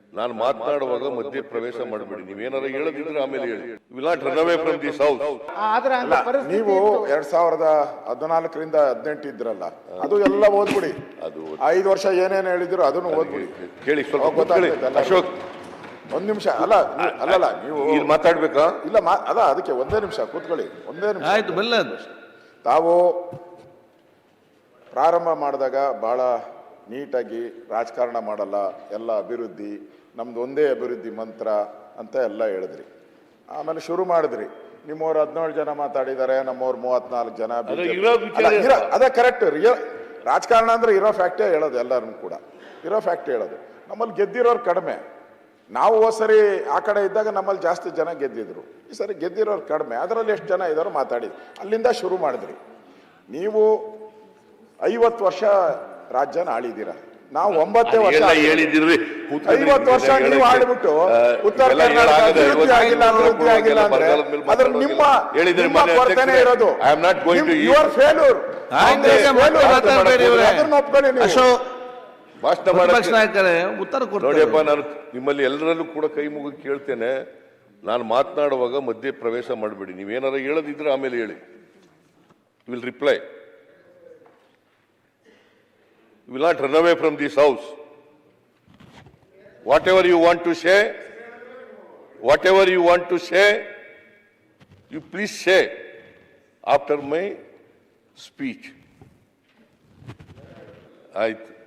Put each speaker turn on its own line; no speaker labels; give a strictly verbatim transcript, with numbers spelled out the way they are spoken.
ನಾನು ಮಾತನಾಡುವಾಗ ಮಧ್ಯೆ ಪ್ರವೇಶ ಮಾಡಬೇಡಿ. ನೀವೇನಾರ ಹೇಳದಿದ್ರೆ ಆಮೇಲೆ ಹೇಳಿ. Will not run away from this house.
ಆದ್ರೆ ಅಂತ ಪರಿಸ್ಥಿತಿ
ನೀವು
ಇತ್ತು.
ಎರಡ್ ಸಾವಿರದ ಹದಿನಾಲ್ಕರಿಂದ ಹದಿನೆಂಟು ಇದ್ರಲ್ಲ, ಅದು ಎಲ್ಲ ಓದ್ಬಿಡಿ.
ಅದು
ಐದು ವರ್ಷ ಏನೇನು ಹೇಳಿದ್ರು ಅದನ್ನು ಓದ್ಬಿಡಿ.
ಕೇಳಿ ಸ್ವಲ್ಪ
ಅವಾಗ ಗೊತ್ತಾಗ್ತದೆ
ಕೂತ್ಕೊಳ್ಳಿ.
ಎಲ್ಲ.
ಅಶೋಕ್
ಒಂದ್ ನಿಮಿಷ ಅಲ್ಲ ನೀವು- ಅಲ್ಲಲ್ಲ ನೀವು
ಇಲ್ಲಿ ಮಾತಾಡ್ಬೇಕಾ?
ಇಲ್ಲ ಮಾ- ಅಲ್ಲ ಅದಕ್ಕೆ ಒಂದೇ ನಿಮಿಷ ಕೂತ್ಕೊಳ್ಳಿ. ಒಂದೇ ನಿಮಿಷ
ಆಯ್ತು ಬೆಲ್ಲ
ತಾವು ಪ್ರಾರಂಭ ಮಾಡಿದಾಗ ಬಹಳ ನೀಟಾಗಿ ರಾಜಕಾರಣ ಮಾಡಲ್ಲ, ಎಲ್ಲ ಅಭಿವೃದ್ಧಿ, ನಮ್ದು ಒಂದೇ ಅಭಿವೃದ್ಧಿ ಮಂತ್ರ ಅಂತ ಎಲ್ಲ ಹೇಳಿದ್ರಿ. ಆಮೇಲೆ ಶುರು ಮಾಡಿದ್ರಿ, ನಿಮ್ಮವ್ರು ಹದಿನೇಳು ಜನ ಮಾತಾಡಿದ್ದಾರೆ, ನಮ್ಮವ್ರು ಮೂವತ್ನಾಲ್ಕು ಜನ
ಅದೇ
BJP.
ಇರೋ ವಿಚಾರ
ಅಲ್ಲ, ಇರೋ- ಅದೇ ಕರೆಕ್ಟ್. ರಿಯಲ್ ರಾಜಕಾರಣ ಅಂದ್ರೆ ಇರೋ ಫ್ಯಾಕ್ಟೇ ಹೇಳೋದು, ಎಲ್ಲರೂ ಕೂಡ ಇರೋ ಫ್ಯಾಕ್ಟ್ ಹೇಳೋದು. ನಮ್ಮಲ್ಲಿ ಗೆದ್ದಿರೋರು ಕಡಿಮೆ. ನಾವು ಹೋದ ಸರಿ ಆ ಕಡೆ ಇದ್ದಾಗ ನಮ್ಮಲ್ಲಿ ಜಾಸ್ತಿ ಜನ ಗೆದ್ದಿದ್ರು, ಈ ಸರಿ ಗೆದ್ದಿರೋರು ಕಡಿಮೆ. ಅದರಲ್ಲಿ ಎಷ್ಟು ಜನ ಇದ್ದಾರೋ ಮಾತಾಡಿ, ಅಲ್ಲಿಂದ ಶುರು ಮಾಡಿದ್ರಿ. ನೀವು ಐವತ್ತು ವರ್ಷ ರಾಜ್ಯನ ಆಳಿದ್ದೀರ, ನಾವು ಒಂಬತ್ತೇ ವರ್ಷ
ಹೇಳಿದಿರ್ರಿ.
ಐವತ್ತು ವರ್ಷ ನೀವು ಆಡ್ಬಿಟ್ಟು ಉತ್ತರ ಕರ್ನಾಟಕ ಅಭಿವೃದ್ಧಿ ಆಗಿಲ್ಲ ಅಭಿವೃದ್ಧಿ ಆಗಿಲ್ಲ ಅಂದ್ರೆ ಅದ್ರ ನಿಮ್ಮ ನಿಮ್ಮ ಕೊರತೆನೇ ಇರೋದು. Your failure. ಅದನ್ನ ಒಪ್ಕೊಳ್ಳಿ ನೀವು.
ಅಶೋಕ್
ಭಾಷಣ
ಪ್ರತಿಪಕ್ಷ
ಮಾಡಕ್ಕೆ
ನಾಯಕರೇ ಉತ್ತರ ಕೊಡ್ತಾರೆ.
ನೋಡಿಯಪ್ಪ, ನಾನು ನಿಮ್ಮಲ್ಲಿ ಎಲ್ಲರಲ್ಲೂ ಕೂಡ ಕೈ ಮುಗಿ ಕೇಳ್ತೇನೆ, ನಾನು ಮಾತನಾಡುವಾಗ ಮಧ್ಯೆ ಪ್ರವೇಶ ಮಾಡಬೇಡಿ. ನೀವೇನಾರ ಹೇಳದಿದ್ರೆ ಆಮೇಲೆ ಹೇಳಿ. Will reply. Will not run away from this house. Whatever you want to say, whatever you want to say, you please say after my speech. ಆಯ್ತು.